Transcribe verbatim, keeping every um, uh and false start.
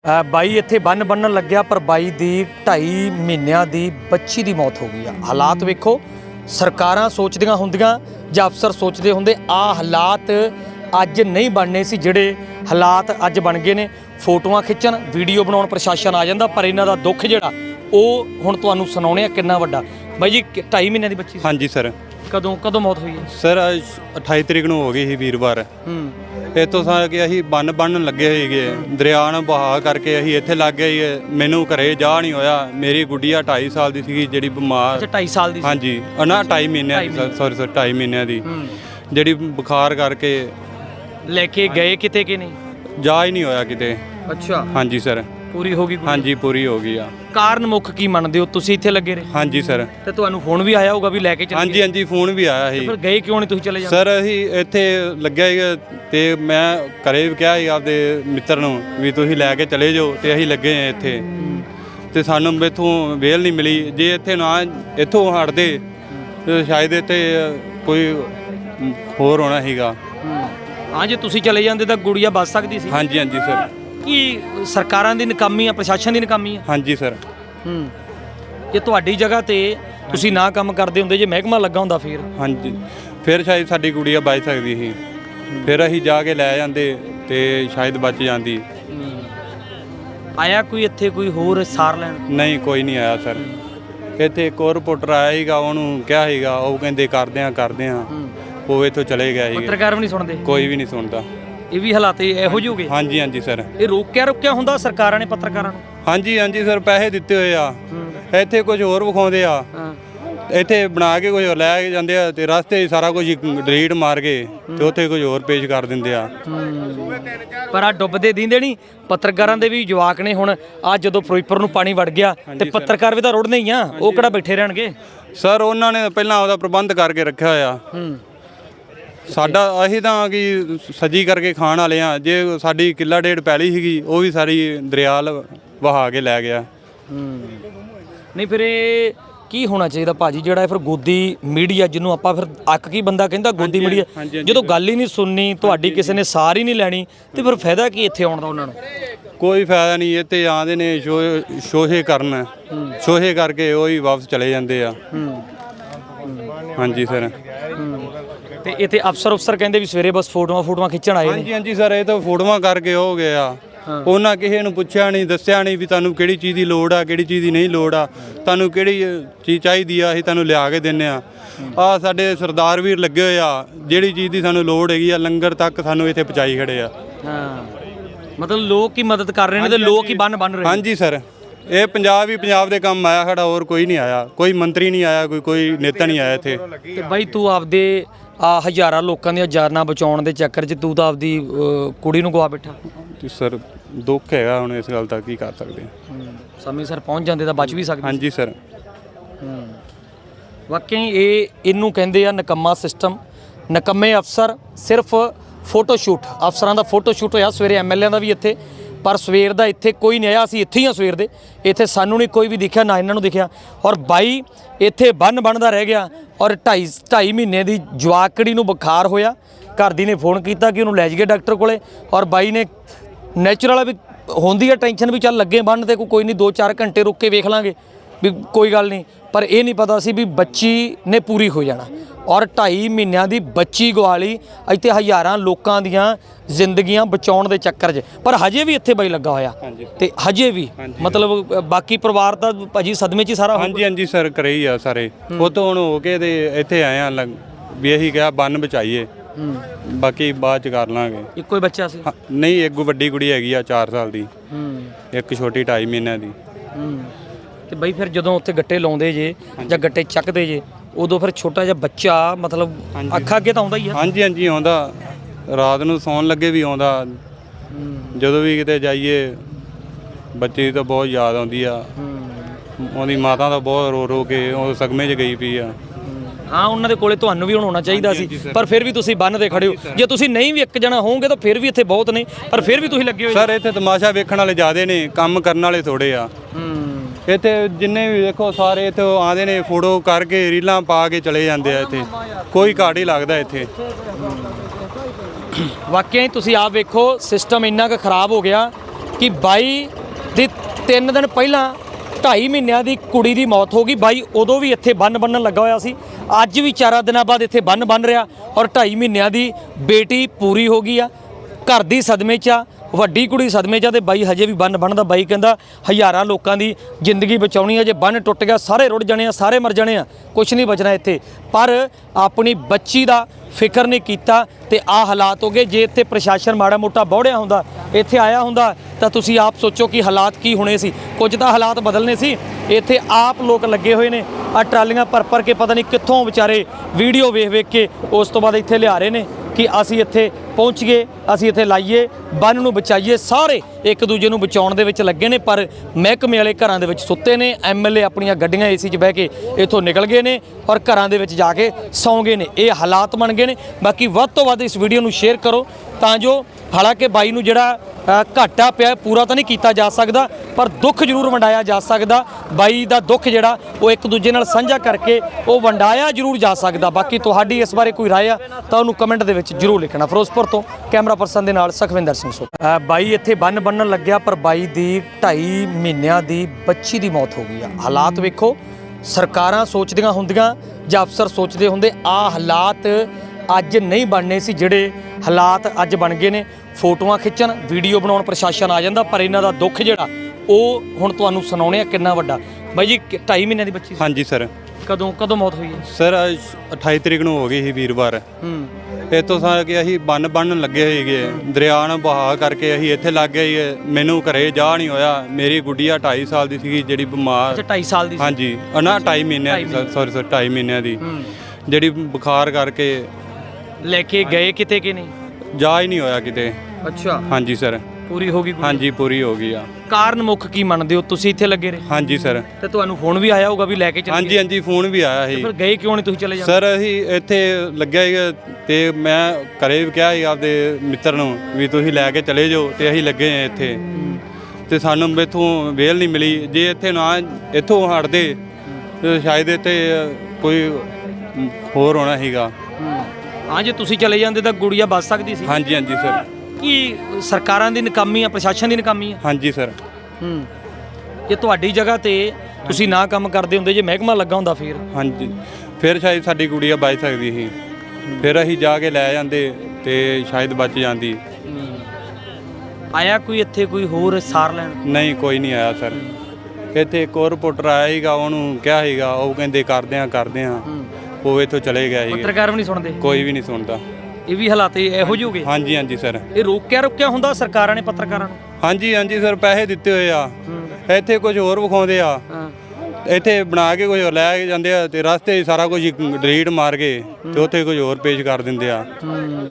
ਬਾਈ ਇੱਥੇ ਬੰਨ ਬੰਨਣ ਲੱਗਿਆ ਪਰ ਬਾਈ ਦੀ ਢਾਈ ਮਹੀਨਿਆਂ ਦੀ ਬੱਚੀ ਦੀ ਮੌਤ ਹੋ ਗਈ ਆ। ਹਾਲਾਤ ਵੇਖੋ, ਸਰਕਾਰਾਂ ਸੋਚਦੀਆਂ ਹੁੰਦੀਆਂ ਜਾਂ ਅਫਸਰ ਸੋਚਦੇ ਹੁੰਦੇ ਆ ਹਾਲਾਤ ਅੱਜ ਨਹੀਂ ਬਣਨੇ ਸੀ ਜਿਹੜੇ ਹਾਲਾਤ ਅੱਜ ਬਣ ਗਏ ਨੇ। ਫੋਟੋਆਂ ਖਿੱਚਣ, ਵੀਡੀਓ ਬਣਾਉਣ ਪ੍ਰਸ਼ਾਸਨ ਆ ਜਾਂਦਾ, ਪਰ ਇਹਨਾਂ ਦਾ ਦੁੱਖ ਜਿਹੜਾ ਉਹ ਹੁਣ ਤੁਹਾਨੂੰ ਸੁਣਾਉਣੇ ਆ ਕਿੰਨਾ ਵੱਡਾ। ਬਾਈ ਜੀ ਢਾਈ ਮਹੀਨਿਆਂ ਦੀ ਬੱਚੀ ਸੀ? ਹਾਂਜੀ ਸਰ। ਕਦੋਂ ਕਦੋਂ ਮੌਤ ਹੋਈ ਹੈ ਸਰ ਅਠਾਈ ਤਰੀਕ ਨੂੰ ਹੋ ਗਈ ਸੀ ਵੀਰਵਾਰ। ਹੂੰ ਇੱਥੋਂ ਸਾ ਕਿ ਅਸੀਂ ਬੰਨ ਬੰਨ੍ਹਣ ਲੱਗੇ ਸੀਗੇ, ਦਰਿਆ ਨਾਲ ਬਹਾ ਕਰਕੇ ਅਸੀਂ ਇੱਥੇ ਲੱਗ ਗਏ। ਮੈਨੂੰ ਘਰੇ ਜਾ ਨਹੀਂ ਹੋਇਆ। ਮੇਰੀ ਗੁੱਡੀਆ ਢਾਈ ਸਾਲ ਦੀ ਸੀਗੀ ਜਿਹੜੀ ਬਿਮਾਰ। ਅੱਛਾ ਢਾਈ ਸਾਲ ਦੀ ਸੀ? ਹਾਂਜੀ ਨਾ ਢਾਈ ਮਹੀਨਿਆਂ ਦੀ, ਸੌਰੀ ਸਰ ਢਾਈ ਮਹੀਨਿਆਂ ਦੀ ਜਿਹੜੀ ਬੁਖਾਰ ਕਰਕੇ ਲੈ ਕੇ ਗਏ ਕਿਤੇ ਕਿ ਨਹੀਂ? ਜਾ ਹੀ ਨਹੀਂ ਹੋਇਆ ਕਿਤੇ। ਅੱਛਾ ਹਾਂਜੀ ਸਰ। ਪੂਰੀ ਹੋ ਗਈ? ਹਾਂਜੀ ਪੂਰੀ ਹੋ ਗਈ ਆ। ਕਾਰਨ ਮੁੱਖ ਕੀ ਮੰਨਦੇ ਹੋ ਤੁਸੀਂ? ਇੱਥੇ ਲੱਗੇ ਰਹੇ? ਹਾਂਜੀ ਸਰ। ਤੇ ਤੁਹਾਨੂੰ ਫੋਨ ਵੀ ਆਇਆ ਹੋਊਗਾ ਵੀ ਲੈ ਕੇ ਚੱਲ? ਹਾਂਜੀ ਹਾਂਜੀ ਫੋਨ ਵੀ ਆਇਆ ਸੀ। ਫਿਰ ਗਏ ਕਿਉਂ ਨਹੀਂ ਤੁਸੀਂ? ਚਲੇ ਜਾਂਦੇ ਸਰ। ਅਸੀਂ ਇੱਥੇ ਲੱਗਿਆ ਸੀਗਾ ਤੇ ਮੈਂ ਘਰੇ ਵੀ ਕਿਹਾ ਸੀ ਆਪਦੇ ਮਿੱਤਰ ਨੂੰ ਵੀ ਤੁਸੀਂ ਲੈ ਕੇ ਚਲੇ ਜਾਓ, ਤੇ ਅਸੀਂ ਲੱਗੇ ਹਾਂ ਇੱਥੇ। ਤੇ ਸਾਨੂੰ ਇੱਥੋਂ ਵੇਲ ਨਹੀਂ ਮਿਲੀ। ਜੇ ਇੱਥੇ ਨਾ ਇੱਥੋਂ ਹਟਦੇ ਤੇ ਸ਼ਾਇਦ ਇੱਥੇ ਕੋਈ ਹੋਰ ਹੋਣਾ ਸੀਗਾ। ਹਾਂ ਜੇ ਤੁਸੀਂ ਚਲੇ ਜਾਂਦੇ ਤਾਂ ਗੁੜੀਆ ਬਚ ਸਕਦੀ ਸੀ। ਹਾਂਜੀ ਹਾਂਜੀ ਸਰ। ਕੀ ਸਰਕਾਰਾਂ ਦੀ ਨਾਕਾਮੀ ਆ, ਪ੍ਰਸ਼ਾਸਨ ਦੀ ਨਾਕਾਮੀ ਆ? ਹਾਂਜੀ ਸਰ। ਹੂੰ ਜੇ ਤੁਹਾਡੀ ਜਗ੍ਹਾ ਤੇ ਤੁਸੀਂ ਨਾ ਕੰਮ ਕਰਦੇ ਹੁੰਦੇ, ਜੇ ਮਹਿਕਮਾ ਲੱਗਾ ਹੁੰਦਾ ਫਿਰ? ਹਾਂਜੀ ਫਿਰ ਸ਼ਾਇਦ ਸਾਡੀ ਗੁੜੀਆ ਬਚ ਸਕਦੀ ਸੀ। ਫਿਰ ਅਸੀਂ ਜਾ ਕੇ ਲੈ ਜਾਂਦੇ ਤੇ ਸ਼ਾਇਦ ਬਚ ਜਾਂਦੀ। ਆਇਆ ਕੋਈ ਇੱਥੇ ਕੋਈ ਹੋਰ ਸਾਰ ਲੈਣ? ਨਹੀਂ ਕੋਈ ਨਹੀਂ ਆਇਆ ਸਰ। ਇੱਥੇ ਇੱਕ ਹੋਰ ਰਿਪੋਰਟਰ ਆਇਆ ਸੀਗਾ, ਉਹਨੂੰ ਕਿਹਾ ਸੀਗਾ, ਉਹ ਕਹਿੰਦੇ ਕਰਦੇ ਆ ਕਰਦੇ ਆ। ਉਹ ਇੱਥੋਂ ਚਲੇ ਗਿਆ ਸੀ। ਪੱਤਰਕਾਰ ਵੀ ਨਹੀਂ ਸੁਣਦੇ? ਕੋਈ ਵੀ ਨਹੀਂ ਸੁਣਦਾ। ਇਹ ਵੀ ਹਾਲਾਤ ਇਹੋ ਜਿਹੇ ਹੋ ਗਏ? ਹਾਂਜੀ ਹਾਂਜੀ ਸਰ। ਇਹ ਰੋਕਿਆ ਰੋਕਿਆ ਹੁੰਦਾ ਸਰਕਾਰਾਂ ਨੇ ਪੱਤਰਕਾਰਾਂ ਨੂੰ? ਹਾਂਜੀ ਹਾਂਜੀ ਸਰ। ਪੈਸੇ ਦਿੱਤੇ ਹੋਏ ਆ, ਇੱਥੇ ਕੁਝ ਹੋਰ ਵਿਖਾਉਂਦੇ ਆ, ਇੱਥੇ ਬਣਾ ਕੇ ਕੁਝ ਹੋਰ ਲੈ ਕੇ ਜਾਂਦੇ ਆ, ਤੇ ਰਸਤੇ ਸਾਰਾ ਕੁਝ ਡਿਲੀਟ ਮਾਰ ਕੇ ਤੇ ਉੱਥੇ ਕੁਝ ਹੋਰ ਪੇਸ਼ ਕਰ ਦਿੰਦੇ ਆ। ਪਰ ਆ ਡੁੱਬਦੇ ਦੀਂਦੇ ਨਹੀਂ ਪੱਤਰਕਾਰਾਂ ਦੇ ਵੀ ਜਵਾਕ ਨੇ। ਹੁਣ ਆ ਜਦੋਂ ਫਿਰੋਜ਼ਪੁਰ ਨੂੰ ਪਾਣੀ ਵੜ ਗਿਆ ਤੇ ਪੱਤਰਕਾਰ ਵੀ ਤਾਂ ਰੁੜਨੇ ਹੀ ਆ, ਉਹ ਕਿਹੜਾ ਬੈਠੇ ਰਹਿਣਗੇ? ਸਰ ਉਹਨਾਂ ਨੇ ਪਹਿਲਾਂ ਉਹਦਾ ਪ੍ਰਬੰਧ ਕਰਕੇ ਰੱਖਿਆ ਹੋਇਆ। ਸਾਡਾ ਅਸੀਂ ਤਾਂ ਕਿ ਸੱਜੀ ਕਰਕੇ ਖਾਣ ਵਾਲੇ ਆ। ਜੇ ਸਾਡੀ ਕਿੱਲਾ ਡੇਢ ਪੈਲੀ ਸੀਗੀ, ਉਹ ਵੀ ਸਾਰੀ ਦਰਿਆ ਵਹਾ ਕੇ ਲੈ ਗਿਆ। ਨਹੀਂ ਫਿਰ ਇਹ ਕੀ ਹੋਣਾ ਚਾਹੀਦਾ ਭਾਜੀ ਜਿਹੜਾ ਫਿਰ ਗੋਦੀ ਮੀਡੀਆ, ਜਿਹਨੂੰ ਆਪਾਂ ਫਿਰ ਅੱਕ ਕੀ ਬੰਦਾ ਕਹਿੰਦਾ ਗੋਦੀ ਮੀਡੀਆ, ਜਦੋਂ ਗੱਲ ਹੀ ਨਹੀਂ ਸੁਣਨੀ, ਤੁਹਾਡੀ ਕਿਸੇ ਨੇ ਸਾਰ ਹੀ ਨਹੀਂ ਲੈਣੀ, ਤੇ ਫਿਰ ਫਾਇਦਾ ਕੀ ਇੱਥੇ ਆਉਣ ਦਾ ਉਹਨਾਂ ਨੂੰ? ਕੋਈ ਫਾਇਦਾ ਨਹੀਂ। ਇੱਥੇ ਆਉਂਦੇ ਨੇ ਸ਼ੋ ਸ਼ੋਹੇ ਕਰਨ, ਸ਼ੋਹੇ ਕਰਕੇ ਉਹ ਹੀ ਵਾਪਸ ਚਲੇ ਜਾਂਦੇ ਆ। ਹਾਂਜੀ ਸਰ। ਤੇ ਇੱਥੇ ਅਫਸਰ ਅਫਸਰ ਕਹਿੰਦੇ ਵੀ ਸਵੇਰੇ ਬਸ ਫੋਟੋਆਂ ਫੋਟੋਆਂ ਖਿੱਚਣ ਆਏ ਨੇ? ਹਾਂਜੀ ਹਾਂਜੀ ਸਰ। ਇਹ ਤਾਂ ਫੋਟੋਆਂ ਕਰਕੇ ਹੋ ਗਿਆ। ਉਹਨਾਂ ਕਿਸੇ ਨੂੰ ਪੁੱਛਿਆ ਨਹੀਂ, ਦੱਸਿਆ ਨਹੀਂ ਵੀ ਤੁਹਾਨੂੰ ਕਿਹੜੀ ਚੀਜ਼ ਦੀ ਲੋੜ ਆ, ਕਿਹੜੀ ਚੀਜ਼ ਦੀ ਨਹੀਂ ਲੋੜ ਆ, ਤੁਹਾਨੂੰ ਕਿਹੜੀ ਚੀਜ਼ ਚਾਹੀਦੀ ਆ, ਅਸੀਂ ਤੁਹਾਨੂੰ ਲਿਆ ਕੇ ਦਿੰਦੇ ਆ। ਆ ਸਾਡੇ ਸਰਦਾਰ ਵੀਰ ਲੱਗੇ ਹੋਏ ਆ, ਜਿਹੜੀ ਚੀਜ਼ ਦੀ ਸਾਨੂੰ ਲੋੜ ਹੈਗੀ ਆ ਲੰਗਰ ਤੱਕ ਸਾਨੂੰ ਇੱਥੇ ਪਹੁੰਚਾਈ ਖੜੇ ਆ। ਹਾਂ ਮਤਲਬ ਲੋਕ ਹੀ ਮਦਦ ਕਰ ਰਹੇ ਨੇ ਤੇ ਲੋਕ ਹੀ ਬੰਨ ਬੰਨ ਰਹੇ ਨੇ। ਹਾਂਜੀ ਸਰ। ਇਹ ਪੰਜਾਬ ਹੀ ਪੰਜਾਬ ਦੇ ਕੰਮ ਆਇਆ ਖੜਾ, ਹੋਰ ਕੋਈ ਨਹੀਂ ਆਇਆ। ਕੋਈ ਮੰਤਰੀ ਨਹੀਂ ਆਇਆ, ਕੋਈ ਕੋਈ ਨੇਤਾ ਨਹੀਂ ਆਇਆ ਇੱਥੇ। ਤੇ ਬਾਈ ਤੂੰ ਆਪਦੇ ਆ ਹਜ਼ਾਰਾਂ ਲੋਕਾਂ ਦੀਆਂ ਜਾਨਾਂ ਬਚਾਉਣ ਦੇ ਚੱਕਰ 'ਚ ਤੂੰ ਤਾਂ ਆਪਦੀ ਕੁੜੀ ਨੂੰ ਗਵਾ ਬੈਠਾ। ਤੇ ਸਰ ਦੁੱਖ ਹੈਗਾ ਹੁਣ ਇਸ ਗੱਲ ਦਾ, ਕੀ ਕਰ ਸਕਦੇ ਆ। ਸਮੇਂ ਸਿਰ ਪਹੁੰਚ ਜਾਂਦੇ ਤਾਂ ਬਚ ਵੀ ਸਕਦੇ। ਹਾਂਜੀ ਸਰ। ਵਾਕਈ ਇਹ ਇਹਨੂੰ ਕਹਿੰਦੇ ਆ ਨਿਕੰਮਾ ਸਿਸਟਮ, ਨਿਕੰਮੇ ਅਫਸਰ। ਸਿਰਫ ਫੋਟੋ ਸ਼ੂਟ, ਅਫਸਰਾਂ ਦਾ ਫੋਟੋ ਸ਼ੂਟ ਹੋਇਆ ਸਵੇਰੇ, ਐਮ ਐਲ ਏ ਦਾ ਵੀ ਇੱਥੇ, ਪਰ ਸਵੇਰ ਦਾ ਇੱਥੇ ਕੋਈ ਨਹੀਂ ਆਇਆ। ਅਸੀਂ ਇੱਥੇ ਹੀ ਆ ਸਵੇਰ ਦੇ, ਇੱਥੇ ਸਾਨੂੰ ਨਹੀਂ ਕੋਈ ਵੀ ਦਿਖਿਆ, ਨਾ ਇਹਨਾਂ ਨੂੰ ਦਿਖਿਆ। ਔਰ ਬਾਈ ਇੱਥੇ ਬੰਨ ਬਣਦਾ ਰਹਿ ਗਿਆ। ਔਰ ਢਾਈ ਢਾਈ ਮਹੀਨੇ ਦੀ ਜਵਾਕੜੀ ਨੂੰ ਬੁਖਾਰ ਹੋਇਆ, ਘਰ ਦੀ ਨੇ ਫੋਨ ਕੀਤਾ ਕਿ ਉਹਨੂੰ ਲੈ ਜਾਈਏ ਡਾਕਟਰ ਕੋਲੇ। ਔਰ ਬਾਈ ਨੇ ਨੈਚੁਰਲ ਵੀ ਹੁੰਦੀ ਹੈ ਟੈਨਸ਼ਨ ਵੀ ਚੱਲ ਲੱਗੇ ਬੰਨ ਤੇ ਕੋਈ ਨਹੀਂ, ਦੋ ਚਾਰ ਘੰਟੇ ਰੁਕ ਕੇ ਵੇਖ ਲਾਂਗੇ ਵੀ ਕੋਈ ਗੱਲ ਨਹੀਂ। ਪਰ ਇਹ ਨਹੀਂ ਪਤਾ ਸੀ ਵੀ ਬੱਚੀ ਨੇ ਪੂਰੀ ਹੋ ਜਾਣਾ। ਔਰ ਢਾਈ ਮਹੀਨਿਆਂ ਦੀ ਬੱਚੀ ਗਵਾਲੀ ਇੱਥੇ ਹਜ਼ਾਰਾਂ ਲੋਕਾਂ ਦੀਆਂ ਜ਼ਿੰਦਗੀਆਂ ਬਚਾਉਣ ਦੇ ਚੱਕਰ 'ਚ। ਪਰ ਹਜੇ ਵੀ ਇੱਥੇ ਬਾਈ ਲੱਗਾ ਹੋਇਆ ਤੇ ਹਜੇ ਵੀ ਮਤਲਬ ਬਾਕੀ ਪਰਿਵਾਰ ਦਾ ਭਾਜੀ ਸਦਮੇ 'ਚ ਹੀ ਸਾਰਾ। ਹਾਂਜੀ ਹਾਂਜੀ ਸਰ। ਕਰੇ ਹੀ ਆ ਸਾਰੇ। ਉਹ ਤੋਂ ਹੁਣ ਹੋ ਕੇ ਤੇ ਇੱਥੇ ਆਏ ਆ ਵੀ ਇਹੀ ਕਿਹਾ ਬੰਨ ਬਚਾਈਏ, ਬਾਕੀ ਬਾਅਦ 'ਚ ਕਰ ਲਾਂਗੇ। ਇੱਕੋ ਹੀ ਬੱਚਾ ਸੀ? ਨਹੀਂ, ਇੱਕ ਵੱਡੀ ਕੁੜੀ ਹੈਗੀ ਆ ਚਾਰ ਸਾਲ ਦੀ, ਇੱਕ ਛੋਟੀ ਢਾਈ ਮਹੀਨਿਆਂ ਦੀ। ਤੇ ਬਈ ਫਿਰ ਜਦੋਂ ਉੱਥੇ ਗੱਟੇ ਲਾਉਂਦੇ ਜੇ ਜਾਂ ਗੱਟੇ ਚੱਕਦੇ ਜੇ, ਉਦੋਂ ਫਿਰ ਛੋਟਾ ਜਿਹਾ ਬੱਚਾ ਮਤਲਬ ਅੱਖਾਂ ਅੱਗੇ ਤਾਂ ਆਉਂਦਾ ਹੀ ਆ? ਹਾਂਜੀ ਹਾਂਜੀ ਆਉਂਦਾ। ਰਾਤ ਨੂੰ ਸੌਣ ਲੱਗੇ ਵੀ ਆਉਂਦਾ। ਜਦੋਂ ਵੀ ਕਿਤੇ ਜਾਈਏ ਬੱਚੇ ਦੀ ਤਾਂ ਬਹੁਤ ਯਾਦ ਆਉਂਦੀ ਆ। ਉਹਦੀ ਮਾਤਾ ਤਾਂ ਬਹੁਤ ਰੋ ਰੋ ਕੇ ਉਹ ਸਗਮੇ 'ਚ ਗਈ ਪਈ ਆ। ਹਾਂ ਉਹਨਾਂ ਦੇ ਕੋਲੇ ਤੁਹਾਨੂੰ ਵੀ ਹੁਣ ਹੋਣਾ ਚਾਹੀਦਾ ਸੀ, ਪਰ ਫਿਰ ਵੀ ਤੁਸੀਂ ਬੰਨ ਤੇ ਖੜੇ ਹੋ। ਜੇ ਤੁਸੀਂ ਨਹੀਂ ਵੀ ਇੱਕ ਜਣਾ ਹੋਵੋਗੇ ਤਾਂ ਫਿਰ ਵੀ ਇੱਥੇ ਬਹੁਤ ਨੇ, ਪਰ ਫਿਰ ਵੀ ਤੁਸੀਂ ਲੱਗੇ ਹੋਏ। ਸਰ ਇੱਥੇ ਤਮਾਸ਼ਾ ਵੇਖਣ ਵਾਲੇ ਜ਼ਿਆਦੇ ਨੇ, ਕੰਮ ਕਰਨ ਵਾਲੇ ਥੋੜੇ ਆ। ਇੱਥੇ ਜਿੰਨੇ ਵੀ ਵੇਖੋ ਸਾਰੇ ਇੱਥੇ ਆਉਂਦੇ ਨੇ, ਫੋਟੋ ਕਰਕੇ ਰੀਲਾਂ ਪਾ ਕੇ ਚਲੇ ਜਾਂਦੇ ਆ। ਇੱਥੇ ਕੋਈ ਘਾਟ ਹੀ ਲੱਗਦਾ ਇੱਥੇ। ਵਾਕਿਆ ਹੀ ਤੁਸੀਂ ਆਪ ਵੇਖੋ ਸਿਸਟਮ ਇੰਨਾ ਕੁ ਖਰਾਬ ਹੋ ਗਿਆ ਕਿ ਬਾਈ ਦੀ ਤਿੰਨ ਦਿਨ ਪਹਿਲਾਂ ਢਾਈ ਮਹੀਨਿਆਂ ਦੀ ਕੁੜੀ ਦੀ ਮੌਤ ਹੋ ਗਈ। ਬਾਈ ਉਦੋਂ ਵੀ ਇੱਥੇ ਬੰਨ ਬੰਨਣ ਲੱਗਾ ਹੋਇਆ ਸੀ, ਅੱਜ ਵੀ ਚਾਰਾਂ ਦਿਨਾਂ ਬਾਅਦ ਇੱਥੇ ਬੰਨ ਬੰਨ ਰਿਹਾ ਔਰ ਢਾਈ ਮਹੀਨਿਆਂ ਦੀ ਬੇਟੀ ਪੂਰੀ ਹੋ ਗਈ ਆ। ਘਰ ਦੀ ਸਦਮੇ 'ਚ ਆ, ਵੱਡੀ ਕੁੜੀ ਸਦਮੇ 'ਚ ਆ ਤੇ ਬਾਈ ਹਜੇ ਵੀ ਬੰਨ ਬੰਨਦਾ। ਬਾਈ ਕਹਿੰਦਾ ਹਜ਼ਾਰਾਂ ਲੋਕਾਂ ਦੀ ਜ਼ਿੰਦਗੀ ਬਚਾਉਣੀ ਆ, ਜੇ ਬੰਨ ਟੁੱਟ ਗਿਆ ਸਾਰੇ ਰੁੜ ਜਾਣੇ ਆ, ਸਾਰੇ ਮਰ ਜਾਣੇ ਆ, ਕੁਝ ਨਹੀਂ ਬਚਣਾ ਇੱਥੇ। ਪਰ ਆਪਣੀ ਬੱਚੀ ਦਾ ਫਿਕਰ ਨਹੀਂ ਕੀਤਾ ਤੇ ਆਹ ਹਾਲਾਤ ਹੋ ਗਏ। ਜੇ ਇੱਥੇ ਪ੍ਰਸ਼ਾਸਨ ਮਾੜਾ ਮੋਟਾ ਬੌੜਿਆ ਹੁੰਦਾ, ਇੱਥੇ ਆਇਆ ਹੁੰਦਾ, ਤਾਂ ਤੁਸੀਂ ਆਪ ਸੋਚੋ ਕਿ ਹਾਲਾਤ ਕੀ ਹੋਣੇ ਸੀ। ਕੁਝ ਤਾਂ ਹਾਲਾਤ ਬਦਲਨੇ ਸੀ। ਇੱਥੇ ਆਪ ਲੋਕ ਲੱਗੇ ਹੋਏ ਨੇ, ਆ ਟਰਾਲੀਆਂ ਭਰ ਭਰ ਕੇ ਪਤਾ ਨਹੀਂ ਕਿੱਥੋਂ ਵਿਚਾਰੇ ਵੀਡੀਓ ਵੇਖ ਵੇਖ ਕੇ ਉਸ ਤੋਂ ਬਾਅਦ ਇੱਥੇ ਲਿਆ ਰਹੇ ਨੇ ਕਿ ਅਸੀਂ ਇੱਥੇ ਪਹੁੰਚੀਏ, ਅਸੀਂ ਇੱਥੇ ਲਾਈਏ, ਬੰਨ ਨੂੰ ਬਚਾਈਏ। ਸਾਰੇ ਇੱਕ ਦੂਜੇ ਨੂੰ ਬਚਾਉਣ ਦੇ ਵਿੱਚ ਲੱਗੇ ਨੇ, ਪਰ ਮਹਿਕਮੇ ਵਾਲੇ ਘਰਾਂ ਦੇ ਵਿੱਚ ਸੁੱਤੇ ਨੇ। ਐਮਐਲਏ ਆਪਣੀਆਂ ਗੱਡੀਆਂ ਏਸੀ 'ਚ ਬਹਿ ਕੇ ਇੱਥੋਂ ਨਿਕਲ ਗਏ ਨੇ ਔਰ ਘਰਾਂ ਦੇ ਵਿੱਚ ਜਾ ਕੇ ਸੌਂ ਗਏ ਨੇ। ਇਹ ਹਾਲਾਤ ਬਣ ਗਏ ਨੇ। ਬਾਕੀ ਵੱਧ ਤੋਂ ਵੱਧ ਇਸ ਵੀਡੀਓ ਨੂੰ ਸ਼ੇਅਰ ਕਰੋ ਤਾਂ ਜੋ, ਹਾਲਾਂਕਿ ਬਾਈ ਨੂੰ ਜਿਹੜਾ ਅ, ਘਾਟਾ ਪਿਆ ਪੂਰਾ ਤਾਂ ਨਹੀਂ ਕੀਤਾ ਜਾ ਸਕਦਾ, ਪਰ ਦੁੱਖ ਜ਼ਰੂਰ ਵੰਡਾਇਆ ਜਾ ਸਕਦਾ। ਬਾਈ ਦਾ ਦੁੱਖ ਜਿਹੜਾ ਉਹ ਇੱਕ ਦੂਜੇ ਨਾਲ ਸਾਂਝਾ ਕਰਕੇ ਉਹ ਵੰਡਾਇਆ ਜ਼ਰੂਰ ਜਾ ਸਕਦਾ। ਬਾਕੀ ਤੁਹਾਡੀ ਇਸ ਬਾਰੇ ਕੋਈ ਰਾਏ ਆ ਤਾਂ ਉਹਨੂੰ ਕਮੈਂਟ ਦੇ ਵਿੱਚ ਜ਼ਰੂਰ ਲਿਖਣਾ। ਫਿਰੋਜ਼ਪੁਰ ਤੋਂ ਕੈਮਰਾ ਪਰਸਨ ਦੇ ਨਾਲ ਸੁਖਵਿੰਦਰ ਸਿੰਘ ਸੋ। ਅ, ਬਾਈ ਇੱਥੇ ਬੰਨ ਬੰਨਣ ਲੱਗਿਆ, ਪਰ ਬਾਈ ਦੀ ਢਾਈ ਮਹੀਨਿਆਂ ਦੀ ਬੱਚੀ ਦੀ ਮੌਤ ਹੋ ਗਈ ਆ। ਹਾਲਾਤ ਵੇਖੋ, ਸਰਕਾਰਾਂ ਸੋਚਦੀਆਂ ਹੁੰਦੀਆਂ ਜਾਂ ਅਫਸਰ ਸੋਚਦੇ ਹੁੰਦੇ, ਆ ਹਾਲਾਤ ਅੱਜ ਨਹੀਂ ਬਣਨੇ ਸੀ ਜਿਹੜੇ ਹਾਲਾਤ ਅੱਜ ਬਣ ਗਏ ਨੇ। ਫੋਟੋਆਂ ਖਿੱਚਣ, ਵੀਡੀਓ ਬਣਾਉਣ ਪ੍ਰਸ਼ਾਸਨ ਆ ਜਾਂਦਾ, ਪਰ ਇਹਨਾਂ ਦਾ ਦੁੱਖ ਜਿਹੜਾ ਉਹ ਹੁਣ ਤੁਹਾਨੂੰ ਸੁਣਾਉਣੇ ਆ ਕਿੰਨਾ ਵੱਡਾ। ਬਾਈ ਜੀ ਢਾਈ ਮਹੀਨਿਆਂ ਦੀ ਬੱਚੀ ਸੀ? ਹਾਂਜੀ ਸਰ। ਕਦੋਂ ਕਦੋਂ ਮੌਤ ਹੋਈ ਹੈ ਸਰ ਅਠਾਈ ਤਰੀਕ ਨੂੰ ਹੋ ਗਈ ਸੀ, ਵੀਰਵਾਰ। ਹੂੰ ਇੱਥੋਂ ਸਾਰ ਕੇ ਅਸੀਂ ਬੰਨ ਬੰਨਣ ਲੱਗੇ ਸੀਗੇ, ਦਰਿਆ ਨਾਲ ਬਹਾ ਕਰਕੇ ਅਸੀਂ ਇੱਥੇ ਲੱਗ ਗਏ ਸੀ। ਮੈਨੂੰ ਘਰੇ ਜਾ ਨਹੀਂ ਹੋਇਆ। ਮੇਰੀ ਗੁੱਡੀਆ ਢਾਈ ਸਾਲ ਦੀ ਸੀਗੀ ਜਿਹੜੀ ਬਿਮਾਰ। ਅੱਛਾ ਢਾਈ ਸਾਲ ਦੀ ਸੀ? ਹਾਂਜੀ, ਨਾ ਢਾਈ ਮਹੀਨਿਆਂ ਦੀ, ਸੌਰੀ ਸੌਰੀ ਢਾਈ ਮਹੀਨਿਆਂ ਦੀ, ਹੂੰ ਜਿਹੜੀ ਬੁਖਾਰ ਕਰਕੇ ਲੈ ਕੇ ਗਏ ਕਿਤੇ ਕਿ ਨਹੀਂ? ਜਾ ਹੀ ਨਹੀਂ ਹੋਇਆ ਕਿਤੇ। ਅੱਛਾ ਹਾਂਜੀ ਸਰ। ਪੂਰੀ ਹੋ ਗਈ? ਹਾਂਜੀ ਪੂਰੀ ਹੋ ਗਈ ਆ। ਕਾਰਨ ਮੁੱਖ ਕੀ ਮੰਨਦੇ ਹੋ ਤੁਸੀਂ? ਇੱਥੇ ਲੱਗੇ ਰਹੇ? ਹਾਂਜੀ ਸਰ। ਤੇ ਤੁਹਾਨੂੰ ਫੋਨ ਵੀ ਆਇਆ ਹੋਊਗਾ ਵੀ ਲੈ ਕੇ ਚੱਲੀਏ? ਹਾਂਜੀ ਹਾਂਜੀ ਫੋਨ ਵੀ ਆਇਆ ਸੀ। ਫਿਰ ਗਏ ਕਿਉਂ ਨਹੀਂ ਤੁਸੀਂ? ਚਲੇ ਜਾਂਦੇ। ਸਰ ਅਸੀਂ ਇੱਥੇ ਲੱਗਿਆ ਸੀਗਾ ਤੇ ਮੈਂ ਘਰੇ ਵੀ ਕਿਹਾ ਸੀ ਆਪਦੇ ਮਿੱਤਰ ਨੂੰ ਵੀ ਤੁਸੀਂ ਲੈ ਕੇ ਚਲੇ ਜਾਓ, ਤੇ ਅਸੀਂ ਲੱਗੇ ਹਾਂ ਇੱਥੇ। ਤੇ ਸਾਨੂੰ ਇੱਥੋਂ ਵੇਲ ਨਹੀਂ ਮਿਲੀ। ਜੇ ਇੱਥੇ ਨਾ ਇੱਥੋਂ ਹਟਦੇ ਤੇ ਸ਼ਾਇਦ ਇੱਥੇ ਕੋਈ ਹੋਰ ਹੋਣਾ ਸੀਗਾ। ਹਾਂ ਜੇ ਤੁਸੀਂ ਚਲੇ ਜਾਂਦੇ ਤਾਂ ਗੁੜੀਆ ਬਚ ਸਕਦੀ ਸੀ। ਹਾਂਜੀ ਹਾਂਜੀ ਸਰ। ਕੀ ਸਰਕਾਰਾਂ ਦੀ ਨਾਕਾਮੀ ਆ, ਪ੍ਰਸ਼ਾਸਨ ਦੀ ਨਾਕਾਮੀ ਆ? ਹਾਂਜੀ ਸਰ। ਹੂੰ ਜੇ ਤੁਹਾਡੀ ਜਗ੍ਹਾ ਤੇ ਤੁਸੀਂ ਨਾ ਕੰਮ ਕਰਦੇ ਹੁੰਦੇ, ਜੇ ਮਹਿਕਮਾ ਲੱਗਾ ਹੁੰਦਾ ਫਿਰ? ਹਾਂਜੀ ਫਿਰ ਸ਼ਾਇਦ ਸਾਡੀ ਗੁੜੀਆ ਬਚ ਸਕਦੀ ਸੀ। ਫਿਰ ਅਸੀਂ ਜਾ ਕੇ ਲੈ ਜਾਂਦੇ ਤੇ ਸ਼ਾਇਦ ਬਚ ਜਾਂਦੀ। ਆਇਆ ਕੋਈ ਇੱਥੇ ਕੋਈ ਹੋਰ ਸਾਰ ਲੈਣ? ਨਹੀਂ ਕੋਈ ਨਹੀਂ ਆਇਆ ਸਰ। ਇੱਥੇ ਇੱਕ ਹੋਰ ਰਿਪੋਰਟਰ ਆਇਆ ਸੀਗਾ, ਉਹਨੂੰ ਕਿਹਾ ਸੀਗਾ, ਉਹ ਕਹਿੰਦੇ ਕਰਦੇ ਆ ਕਰਦੇ ਆ, ਉਹ ਇੱਥੋਂ ਚਲੇ ਗਿਆ ਸੀ। ਪੱਤਰਕਾਰ ਵੀ ਨਹੀਂ ਸੁਣਦੇ? ਕੋਈ ਵੀ ਨਹੀਂ ਸੁਣਦਾ। ਇਹ ਵੀ ਹਾਲਾਤ ਇਹੋ ਜਿਹੇ ਹੋ ਗਏ? ਹਾਂਜੀ ਹਾਂਜੀ ਸਰ। ਇਹ ਰੋਕਿਆ ਰੋਕਿਆ ਹੁੰਦਾ ਸਰਕਾਰਾਂ ਨੇ ਪੱਤਰਕਾਰਾਂ ਨੂੰ? ਹਾਂਜੀ ਹਾਂਜੀ ਸਰ, ਪੈਸੇ ਦਿੱਤੇ ਹੋਏ ਆ। ਇੱਥੇ ਕੁਝ ਹੋਰ ਵਿਖਾਉਂਦੇ ਆ, ਹਾਂ ਇੱਥੇ ਬਣਾ ਕੇ ਕੁਝ ਹੋਰ ਲੈ ਕੇ ਜਾਂਦੇ ਆ ਤੇ ਰਸਤੇ 'ਚ ਸਾਰਾ ਕੁਝ ਡਿਲੀਟ ਮਾਰ ਕੇ ਤੇ ਉੱਥੇ ਕੁਝ ਹੋਰ ਪੇਸ਼ ਕਰ ਦਿੰਦੇ ਆ।